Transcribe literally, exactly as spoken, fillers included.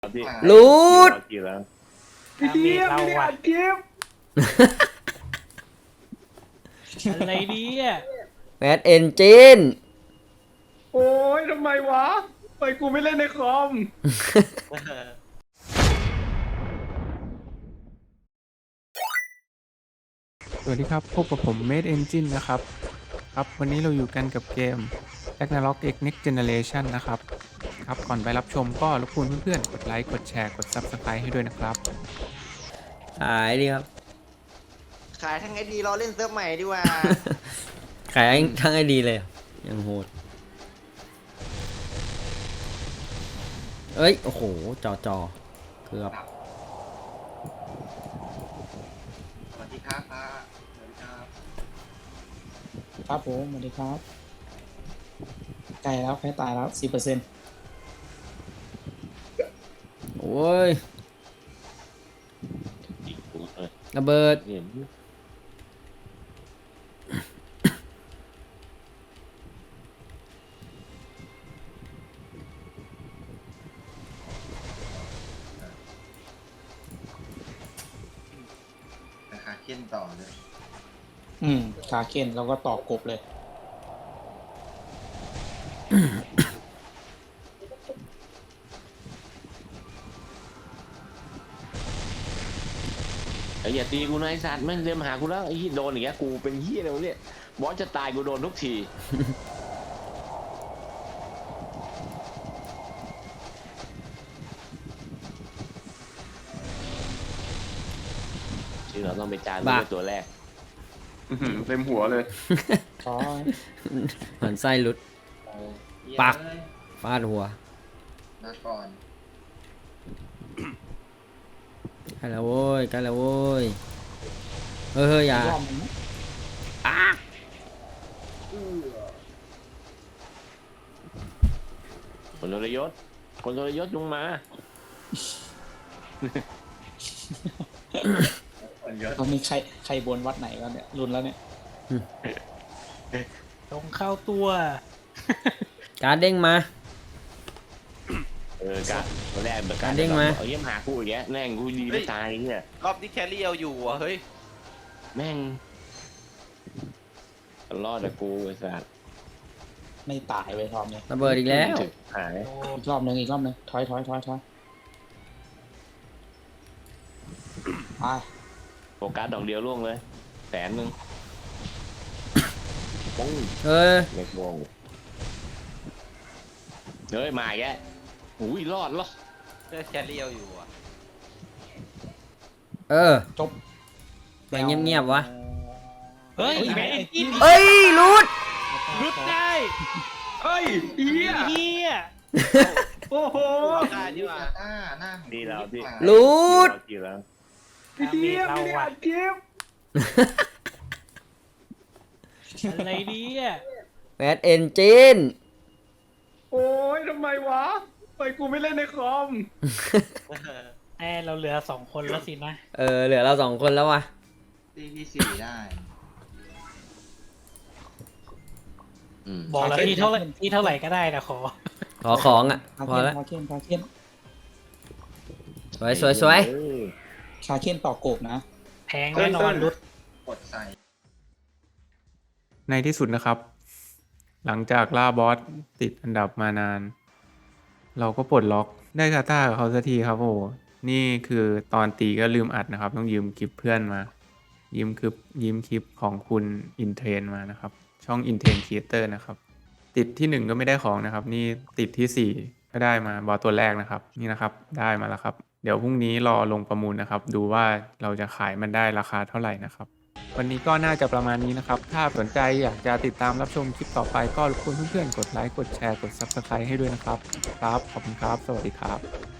รูดพี่เดียไม่ได้อัดคลิปอะไรเนี่ยแมดเอนจินโอ้ยทำไมวะไปกูไม่เล่นในคอมสวัสดีครับพบกับผม Made Engine นะครับครับวันนี้เราอยู่กันกับเกม Ragnarok X Next Generation นะครับครับก่อนไปรับชมก็รบกวนเพื่อนๆกดไลค์กดแชร์กด Subscribe ให้ด้วยนะครับขายดีครับขายทั้งไอดีรอเล่นเซิร์ฟใหม่ดีกว่าขายทั้งไอดีเลยยังโหดเอ้ยโอ้โหจอจอเกือบสวัสดีครับป้าสวัสดีครับครับผมสวัสดีครับใกล้แล้วใกล้ตายแล้วสิบเปอร์เซ็นต์โอ้ยระเบิดนะคะเข้นต่อเลยอืมขาเข็นแล้วก็ต่อกบเลยไอ้อย่าตีกูนะไอ้สัตว์แม่งเดินมาหากูแล้วไอ้โดนอย่างเงี้ยกูเป็นเหี้ยอะไรวะเนี่ยบอสจะตายกูโดนทุกทีที่เราต้องไปจานด้วยตัวแรกอื้อหือเต็มหัวเลยซอยเหมือนไส้หลุด ปัก ฟาดหัวมาก่อนใกล้แล้วโว้ยใกล้แล้วโว้ยเฮ้ยเฮ้ยอย่ารอบนึงนะคนทรยศคนทรยศลงมาตอนนี้ใครใครบนวัดไหนกันเนี่ยรุนแล้วเนี่ยตรงเข้าตัวการเด้งมาเออการตัวแรกแบบการเด้งมาเอาเยี่ยมหากูอย่างเงี้ยแม่งกูดีไม่ตายเนี่ยรอบนี้แคลรี่เอาอยู่อ่ะเฮ้ยแม่งรอดแต่กูไอ้สัตว์ไม่ตายเว้ยรอบนี้ระเบิดอีกแล้วหายอีกรอบนึงอีกรอบนึงถอยถอยถอยถอยไปโฟกัสดอกเดียวล่วงเลยแสนหนึ่งปุ้งเฮ้ยเล็กวงเฮ้ยมาแกอุ้ยรอดรอดเพื่อแคลรี่เอาอยู่อ่ะเออจบไปเงียบๆวะเฮ้ยแม่งกินเอ้ยรูดรุดได้เฮ้ยเฮียเฮียโอ้โหได้ดีกว่าหน้าหน้าดีแล้วพี่รูดดีแล้วพี่เดียไม่ได้อัดคลิปอะไรเนี่ยแมดเอนจินโอ้ยทำไมวะไปกูไม่เล่นในคอมแอเราเหลือสองคนแล้วสินะเออเหลือเราสองคนแล้ววะตีที่สี่ได้อืมบอกแล้วที่เท่าไหร่ที่เท่าไหร่ก็ได้นะขอขอของอ่ะขาพอเข็นแล้วขาเข็นขาเข็นสวยสวยสวยเออขาเข็นต่อกบนะแพงแน่นอนรุดกดใส่ในที่สุดนะครับ หลังจากล่าบอสติดอันดับมานาน เราก็ปลดล็อกได้คาต้ากับเขาสักทีครับโอ้โหนี่คือตอนตีก็ลืมอัดนะครับ ต้องยืมคลิปเพื่อนมา ยืมคลิปยืมคลิปของคุณอินเทรนมานะครับ ช่องอินเทรนครีเอเตอร์นะครับ ติดที่หนึ่งก็ไม่ได้ของนะครับ นี่ติดที่สี่ก็ได้มาบอสตัวแรกนะครับ นี่นะครับได้มาแล้วครับ เดี๋ยวพรุ่งนี้รอลงประมูลนะครับ ดูว่าเราจะขายมันได้ราคาเท่าไหร่นะครับ วันนี้ก็น่าจะประมาณนี้นะครับ ถ้าสนใจอยากจะติดตามรับชมคลิปต่อไปก็รบกวนเพื่อนๆกดไลค์กดแชร์กด Subscribe ให้ด้วยนะครับครับขอบคุณครับสวัสดีครับ